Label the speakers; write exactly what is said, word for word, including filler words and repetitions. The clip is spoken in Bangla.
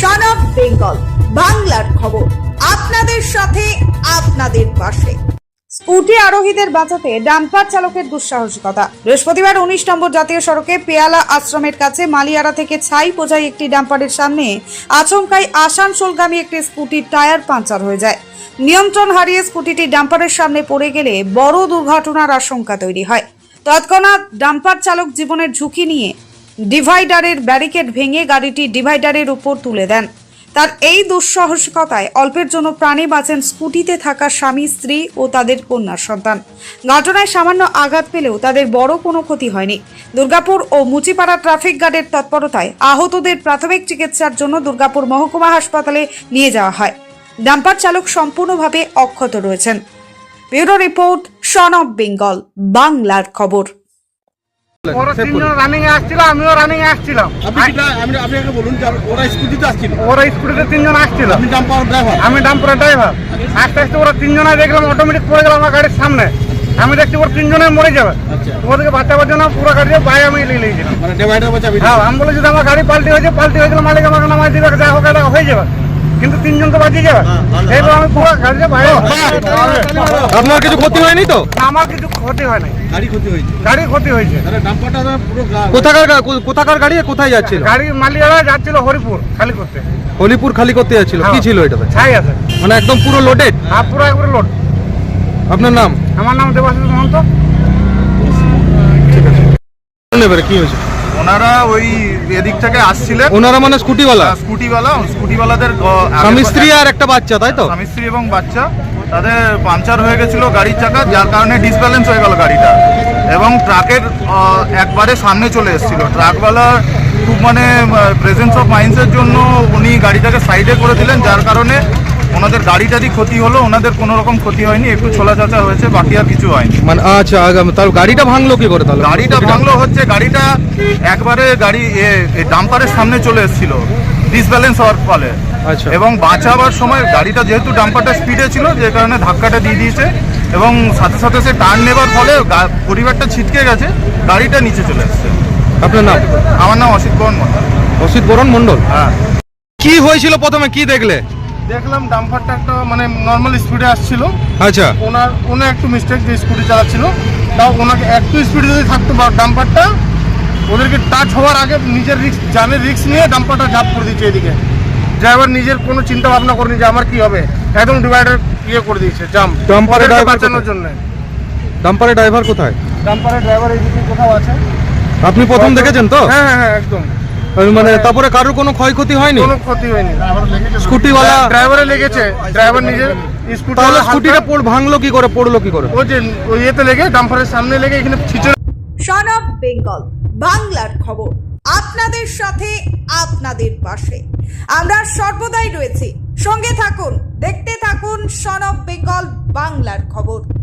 Speaker 1: সন অফ বেঙ্গল বাংলার খবর, আপনাদের সাথে আপনাদের পাশে। স্কুটি আরোহীদের বাঁচাতে ডাম্পার চালকের দুঃসাহসিকতা। বৃহস্পতিবার উনিশ নম্বর জাতীয় সড়কে পেয়ালা আশ্রমের কাছে মালিয়ারা থেকে ছাই বোঝাই একটি ডাম্পারের সামনে আচমকাই আসানসোলগামী একটি স্কুটির টায়ার পাঞ্চার হয়ে যায়। নিয়ন্ত্রণ হারিয়ে স্কুটিটি ডাম্পারের সামনে পড়ে গেলে বড় দুর্ঘটনার আশঙ্কা তৈরি হয়। তৎক্ষণাৎ ডাম্পার চালক জীবনের ঝুঁকি নিয়ে ডিভাইডারের ব্যারিকেড ভেঙে গাড়িটি ডিভাইডারের উপর তুলে দেন। তার এই দুঃসাহসিকতায় অল্পের জন্য প্রাণে বাঁচেন স্কুটিতে থাকা স্বামী, স্ত্রী ও তাদের কন্যার সন্তান। ঘটনায় সামান্য আঘাত পেলেও তাদের বড় কোনো ক্ষতি হয়নি। দুর্গাপুর ও মুচিপাড়া ট্রাফিক গার্ডের তৎপরতায় আহতদের প্রাথমিক চিকিৎসার জন্য দুর্গাপুর মহকুমা হাসপাতালে নিয়ে যাওয়া হয়। ডাম্পার চালক সম্পূর্ণভাবে অক্ষত রয়েছেন। Bureau report, son of Bengal বাংলার খবর।
Speaker 2: ওরা তিনজন রানিং এ আসছিল, আমিও রানিং এ আসছিলাম।
Speaker 3: আপনি আপনাকে বলুন যে ওরা স্কুটিতে আসছিল,
Speaker 2: ওরা স্কুটিতে তিনজন আসছিল,
Speaker 3: আপনি ডাম্পার ড্রাইভার,
Speaker 2: আমি ডাম্পারের ড্রাইভার। আস্তে আস্তে ওরা তিনজনে দেখলাম অটোমেটিক পড়ে গেল আমার গাড়ির সামনে। আমি দেখছি ওরা তিনজনে মরে যাবে, ওদেরকে বাঁচাবার জন্য পুরো গাড়ি বাইরে আমি নিয়ে নিয়েছিলাম।
Speaker 3: মানে ডিভাইডার বাঁচাবি।
Speaker 2: হ্যাঁ, আমি বলেছি যে আমার গাড়ি পাল্টি হয়েছে, পাল্টি হয়ে গেলে মালিক আমাকে নামাই দিবে, যা হোক এটা হয়ে যাবে, কিন্তু তিনজন তো বাঁচিয়ে যাবে। এইবার আমি পুরো গাড়িতে বাইরে।
Speaker 4: আপনার কিছু ক্ষতি হয়নি তো?
Speaker 2: আমার কিছু ক্ষতি হয় নাই,
Speaker 3: গাড়ি ক্ষতি হয়েছে,
Speaker 2: গাড়ি ক্ষতি হয়েছে।
Speaker 3: তাহলে ডাম্পারটা পুরো
Speaker 4: কোথাকার গা- কোথাকার গাড়ি কোথায় যাচ্ছিল?
Speaker 2: গাড়ি মালিয়ারা যাচ্ছিল হরিপুর খালি করতে।
Speaker 4: হলিপুর খালি করতে যাচ্ছিল। কি ছিল এটাতে?
Speaker 2: ছাই আছে,
Speaker 4: মানে একদম পুরো লোডেড?
Speaker 2: হ্যাঁ পুরো একবারে লোড।
Speaker 4: আপনার নাম?
Speaker 2: আমার নাম দেবাশিস মহন্ত।
Speaker 4: এবারে কি হয়েছে?
Speaker 5: ওনারা ওই এদিক থেকে আসছিলেন,
Speaker 4: ওনারা মানে স্কুটিওয়ালা?
Speaker 5: স্কুটিওয়ালা স্কুটিওয়ালাদের
Speaker 4: স্বামী স্ত্রী আর একটা বাচ্চা, তাই তো?
Speaker 5: স্বামী স্ত্রী এবং বাচ্চা, তাদের পাংচার হয়ে গেছিল গাড়ির চাকা, যার কারণে ডিসব্যালেন্স হয়ে গেল গাড়িটা এবং ট্রাকের একবারে সামনে চলে এসেছিল। ট্রাকওয়ালার খুব মানে প্রেজেন্স অফ মাইন্ডসের জন্য উনি গাড়িটাকে সাইডে করে দিলেন, যার কারণে ওনাদের গাড়িটারই ক্ষতি হলো। ওনাদের কোনো রকম ক্ষতি হয়নি, একটু ছোলা চাচা হয়েছে, বাকি আর কিছু হয়নি।
Speaker 4: মানে আচ্ছা, তাহলে গাড়িটা ভাঙলো কি করে? তাহলে
Speaker 5: গাড়িটা ভাঙলো হচ্ছে গাড়িটা একবারে গাড়ি ডাম্পারের সামনে চলে এসেছিল ডিসব্যালেন্স হওয়ার ফলে।
Speaker 4: আচ্ছা।
Speaker 5: এবং বাঁচাবার সময় গাড়িটা যেহেতু ডাম্পারটা স্পিডে ছিল, যে কারণে ধাক্কাটা দিয়ে দিয়েছে এবং সাথে সাথে সে টার্ন নেবার ফলে পরিবারটা ছিটকে গেছে, গাড়িটা নিচে চলে এসছে।
Speaker 4: আপনার নাম?
Speaker 5: আমার নাম অসিত বরণ মন্ডল।
Speaker 4: অসিত বরণ মন্ডল।
Speaker 5: হ্যাঁ।
Speaker 4: কি হয়েছিল প্রথমে, কি দেখলে?
Speaker 5: দেখলাম ডাম্পারটা একটা মানে নর্মাল স্পিডে আসছিল।
Speaker 4: আচ্ছা।
Speaker 5: ওনার ওনার একটু মিস্টেক, যে স্কুটি চালাচ্ছিল, তাও ওনাকে একটু স্পিডে যদি থাকতো ডাম্পারটা, ওদেরকে টাচ হওয়ার আগে নিজের রিস্ক, জানের রিস্ক নিয়ে ডাম্পারটা ঝাঁপ করে দিচ্ছে এদিকে। ড্রাইভার নিজের কোনো চিন্তা ভাবনা করেনি যে আমার কি হবে, একদম ডিভাইডার ইয়ে করে দিয়েছে জাম্প,
Speaker 4: ডাম্পারের ড্রাইভার
Speaker 5: বাঁচানোর জন্য।
Speaker 4: ডাম্পারের ড্রাইভার কোথায়?
Speaker 5: ডাম্পারের ড্রাইভার এইদিকে কোথাও আছে।
Speaker 4: আপনি প্রথম দেখেছেন তো?
Speaker 5: হ্যাঁ হ্যাঁ হ্যাঁ একদম।
Speaker 4: মানে তারপরে কারোর কোনো ক্ষয়ক্ষতি হয়নি?
Speaker 5: কোনো ক্ষতি হয়নি।
Speaker 4: স্কুটিওয়ালা
Speaker 5: ড্রাইভারে লেগেছে, ড্রাইভার নিজের স্কুটি।
Speaker 4: তাহলে স্কুটিটা পড় ভাঙলো কি করে, পড়লো কি করে?
Speaker 5: ও যে ওই ইয়েতে লেগে ডাম্পারের সামনে লেগে এখানে ছিচড়ে।
Speaker 1: সন অফ বেঙ্গল বাংলার খবর, আপনাদের সাথে আপনাদের পাশে। আমরা সর্বদাই রয়েছি, সঙ্গে থাকুন, দেখতে থাকুন সন অফ বেঙ্গল বাংলার খবর।